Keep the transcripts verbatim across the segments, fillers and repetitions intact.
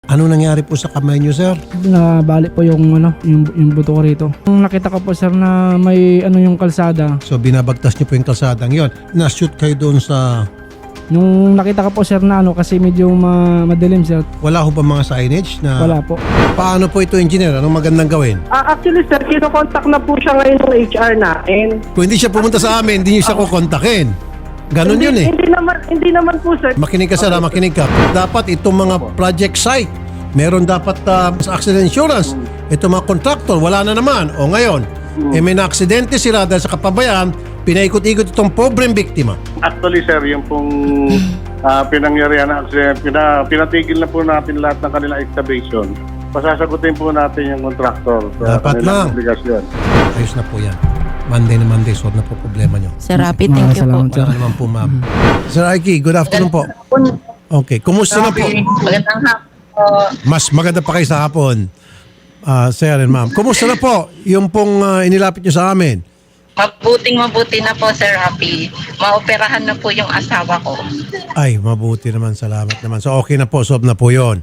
Ano nangyari po sa kamay niyo, sir? Nabali po yung ano, yung, yung buto ko rito. Nung nakita ko po sir na may ano yung kalsada, So binabagtas niyo po yung kalsadang yon. Na-shoot kayo doon sa... nung nakita ko po sir na ano kasi medyo ma madilim sir. Wala ho ba mga signage na... Wala po. Paano po ito, engineer? Anong magandang gawin? Ah, actually sir, kinokontak na po siya ngayon ng H R natin. Kung hindi siya pumunta sa amin, hindi niyo siya kukontakin. Ganon hindi, yun eh. Hindi naman, hindi naman po sir. Makinig ka, sir, ha? Makinig ka. Dapat itong mga project site, meron dapat uh, sa accident insurance. Itong mga contractor, wala na naman. O ngayon, eh may na-aksidente sila dahil sa kapabayaan, pinaikot-ikot itong pobreng biktima. Actually, sir, yung pong uh, pinangyarihan na accident, pina, pinatigil na po natin lahat ng kanilang excavation. Pasasagutin po natin yung contractor sa Dapat kanilang lang. obligasyon. Ayos na po yan. Monday na Monday, solve na po problema nyo. Sir Rapi, thank you po. Salamat, sir. Wala naman po, ma'am. Sir Aiki, good afternoon po. Okay, kumusta na po? Magandang hapon po. Mas maganda pa kayo sa hapon, uh, sir and ma'am. Kumusta na po yung pong uh, inilapit nyo sa amin? Mabuting mabuti na po, Sir Rapi. Maoperahan na po yung asawa ko. Ay, mabuti naman, salamat naman. So okay na po, solve na po yon.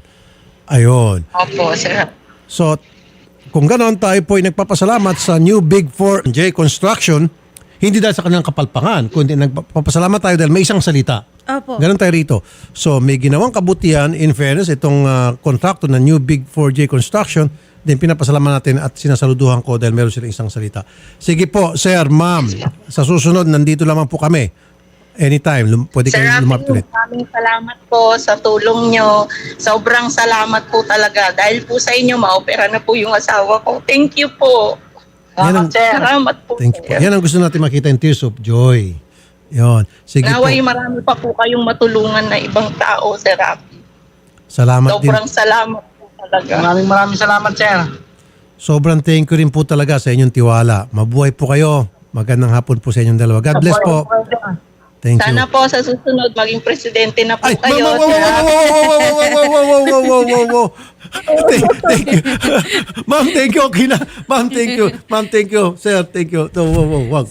Ayun. Opo, Sir Rapi. So, kung ganon, tayo po ay nagpapasalamat sa New Big four J Construction, hindi dahil sa kanilang kapalpangan, kundi nagpapasalamat tayo dahil may isang salita. Opo. Ganon tayo rito. So, may ginawang kabutihan, in fairness, itong uh, kontrakto na New Big four J Construction, din pinapasalamat natin at sinasaluduhan ko dahil meron silang isang salita. Sige po, sir, ma'am, sa susunod, nandito lamang po kami. Anytime, lum- pwede Sir kayo lumapit Rapi, ulit. maraming salamat po sa tulong nyo. Sobrang salamat po talaga. Dahil po sa inyo, maopera na po yung asawa ko. Thank you po. Yan ang- Salamat po. Thank you po. sir. Yan ang gusto natin makita in tears of joy. Yon. Sige po. Naway marami pa po kayong matulungan na ibang tao, Sir Rapi. Salamat din. Sobrang salamat po talaga. Maraming maraming salamat sir. Sobrang thank you rin po talaga sa inyong tiwala. Mabuhay po kayo. Magandang hapon po sa inyong dalawa. God bless po. Thank you. Sana po sa susunod maging presidente na po Ay, kayo. wow, wow, Sir wow, Rapi. wow, wow, wow, wow, wow, wow, wow, wow, wow, wow. Thank, thank you. Ma'am, thank you. Okay na. Ma'am, thank you. Ma'am, thank you. Sir, thank you. Oh, wow, wow, wow.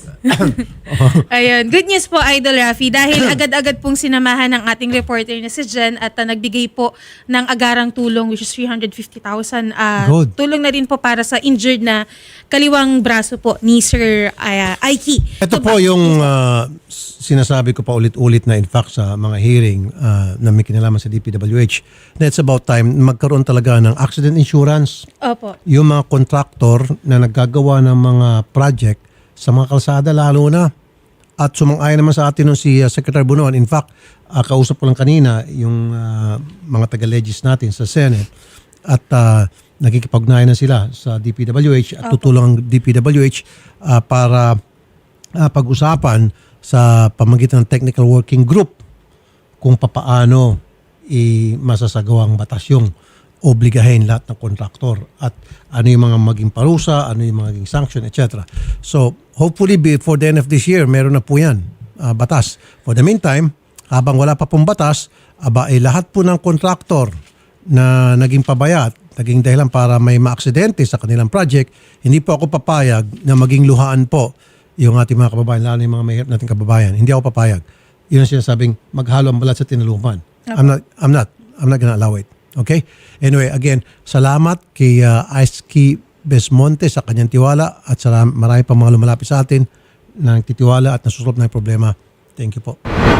Ayun, good news po Idol Rafi dahil agad-agad pong sinamahan ng ating reporter na si Jen at uh, nagbigay po ng agarang tulong which is three hundred fifty thousand. Uh, Good. tulong na rin po para sa injured na kaliwang braso po ni Sir uh, Aiki. Ito So, po ba- yung uh, sinasabi ko pa ulit-ulit na in fact sa mga hearing uh, na may kinalaman sa D P W H na it's about time magkaroon talaga ng accident insurance. Opo. Yung mga contractor na naggagawa ng mga project sa mga kalsada lalo na. At sumang-ayon naman sa atin nung si uh, Secretary Bunuan. In fact, uh, kausap ko lang kanina yung uh, mga taga-legis natin sa Senate at uh, nakikipag-ugnayan na sila sa D P W H at tutulong ang D P W H uh, para uh, pag-usapan sa pamagitan ng technical working group kung papaano i-masasagawang batas yung obligahin lahat ng kontraktor at ano yung mga maging parusa, ano yung maging sanction, et cetera. So, hopefully before the end of this year, meron na po yan, uh, batas. For the meantime, habang wala pa pong batas, aba, eh, lahat po ng kontraktor na naging pabayat, naging dahilan para may maaksidente sa kanilang project, hindi po ako papayag na maging luhaan po yung ating mga kababayan, lalo yung mga mahirap nating kababayan. Hindi ako papayag. Yun ang sinasabing maghalo ang balat sa tinaluman. I'm not, I'm not, I'm not gonna allow it. Okay? Anyway, again, salamat kay uh, Ice Besmonte sa kanyang tiwala at salam, marami pa mga lumalapit sa atin na nagtitiwala at nasusolve na yung problema. Thank you po.